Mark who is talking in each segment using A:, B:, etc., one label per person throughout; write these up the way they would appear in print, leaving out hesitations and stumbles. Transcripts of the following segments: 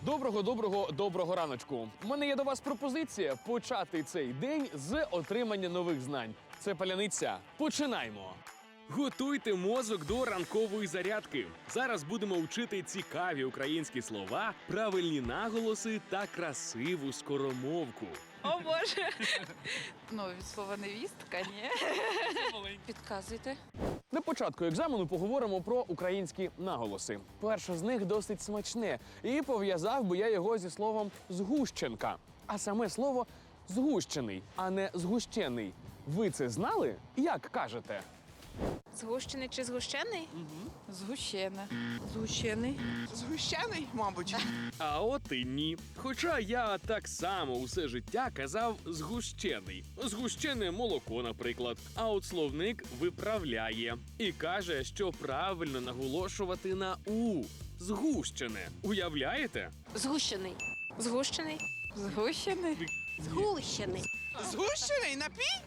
A: Доброго раночку. У мене є до вас пропозиція почати цей день з отримання нових знань. Це паляниця. Починаємо!
B: Готуйте мозок до ранкової зарядки. Зараз будемо вчити цікаві українські слова, правильні наголоси та красиву скоромовку.
C: О, Боже! Від слова невістка, ні. Підказуйте.
A: На початку екзамену поговоримо про українські наголоси. Перше з них досить смачне, і пов'язав би я його зі словом «згущенка». А саме слово «згущений», а не «згущений». Ви це знали? Як кажете?
C: Згущений чи згущений? Згущене.
D: Згущений.
E: Згущений, мабуть.
B: А от і ні. Хоча я так само усе життя казав «згущений». Згущене молоко, наприклад. А от словник виправляє. І каже, що правильно наголошувати на «у». Згущене. Уявляєте?
D: Згущений.
C: Згущений? Згущений?
D: Згущений.
E: Згущений напій?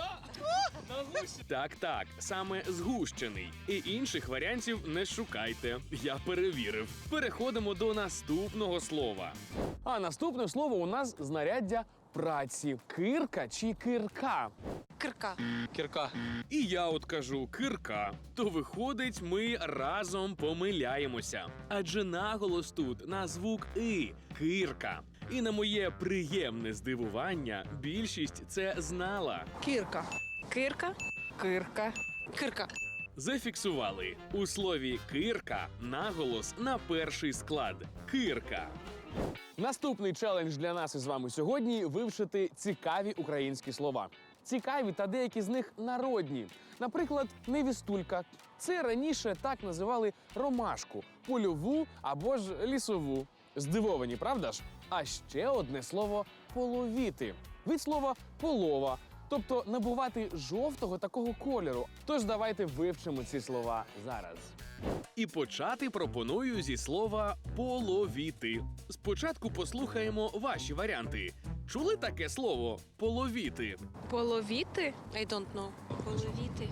B: Так, саме згущений. І інших варіантів не шукайте. Я перевірив. Переходимо до наступного слова.
A: А наступне слово у нас знаряддя праці. Кирка чи кирка?
C: Кирка.
B: І я от кажу кирка. То виходить, ми разом помиляємося. Адже наголос тут на звук «и» – кирка. І на моє приємне здивування, більшість це знала.
D: Кірка.
C: Кирка? Кирка.
D: Кирка.
B: Зафіксували. У слові «кирка» наголос на перший склад – кирка.
A: Наступний челендж для нас із вами сьогодні – вивчити цікаві українські слова. Цікаві та деякі з них народні. Наприклад, невістулька. Це раніше так називали ромашку, польову або ж лісову. Здивовані, правда ж? А ще одне слово «половіти». Від слова «полова», тобто набувати жовтого такого кольору. Тож давайте вивчимо ці слова зараз.
B: І почати пропоную зі слова «половіти». Спочатку послухаємо ваші варіанти. Чули таке слово «половіти»?
C: Половіти?
D: I don't know. Половіти.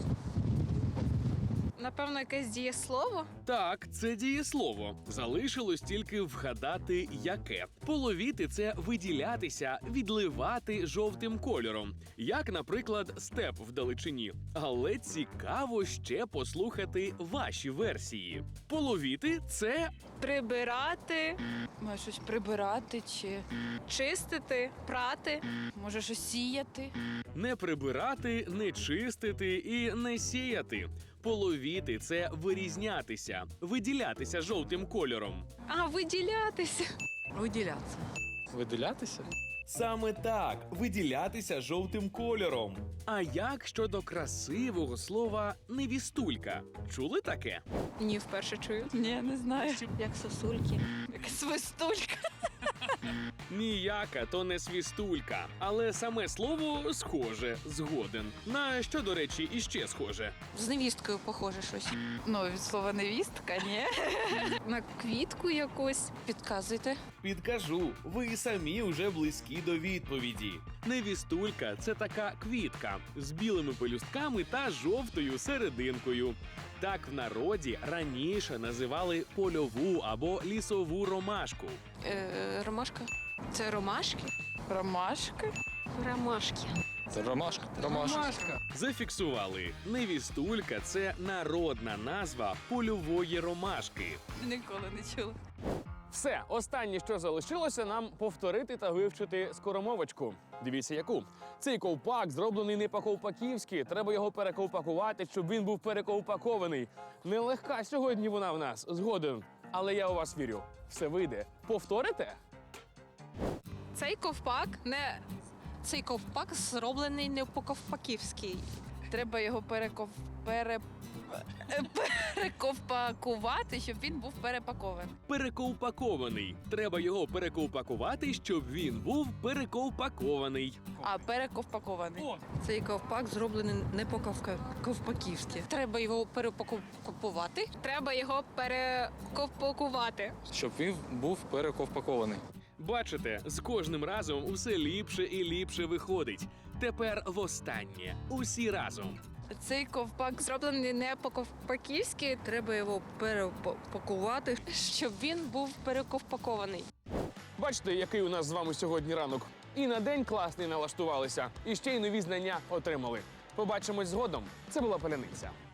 C: Напевно, якесь дієслово?
B: Так, це дієслово. Залишилось тільки вгадати, яке. Половіти – це виділятися, відливати жовтим кольором. Як, наприклад, степ вдалечині. Але цікаво ще послухати ваші версії. Половіти – це
C: Прибирати,
D: Може щось прибирати чи
C: чистити, прати.
D: може щось сіяти.
B: не прибирати, не чистити і не сіяти. Половіти – це вирізнятися, виділятися жовтим кольором.
C: А, виділятися.
D: Виділятися.
F: Виділятися?
B: Саме так, виділятися жовтим кольором. А як щодо красивого слова «невістулька»? Чули таке?
C: Ні, вперше чую.
D: Ні, не знаю. Як сосульки.
C: Як свистулька.
B: Ніяка то не свістулька, але саме слово схоже, згоден. На що, до речі, іще схоже?
D: З невісткою похоже щось.
C: Від слова невістка, ні. На квітку якусь.
D: Підказуйте.
B: Підкажу, ви самі вже близькі до відповіді. Невістулька – це така квітка з білими пелюстками та жовтою серединкою. Так в народі раніше називали польову або лісову ромашку.
D: Ромашка.
C: Це ромашки?
D: Ромашки.
C: Ромашки.
F: Це ромашка. Ромашка.
B: Зафіксували. Невістулька – це народна назва польової ромашки.
D: Ніколи не чула.
A: Все, останнє, що залишилося, нам повторити та вивчити скоромовочку. Дивіться, яку. Цей ковпак зроблений не по-ковпаківськи. Треба його перековпакувати, щоб він був перековпакований. Нелегка сьогодні вона в нас, згоден. Але я у вас вірю. Все вийде. Повторите?
D: Цей ковпак зроблений не по-ковпаківськи.
C: Треба його перековпакувати, щоб він був перепакований.
B: Перековпакований. Треба його перековпакувати, щоб він був перековпакований.
C: А, перековпакований.
D: Цей ковпак зроблений не по-ковпаківськи. Треба його перепакувати.
C: Треба його перековпакувати.
F: Щоб він був перековпакований.
B: Бачите, з кожним разом усе ліпше і ліпше виходить. Тепер востаннє. Усі разом.
C: Цей ковпак зроблений не по-ковпаківськи.
D: Треба його перепакувати, щоб він був перековпакований.
A: Бачите, який у нас з вами сьогодні ранок. І на день класний налаштувалися, і ще й нові знання отримали. Побачимось згодом. Це була Паляниця.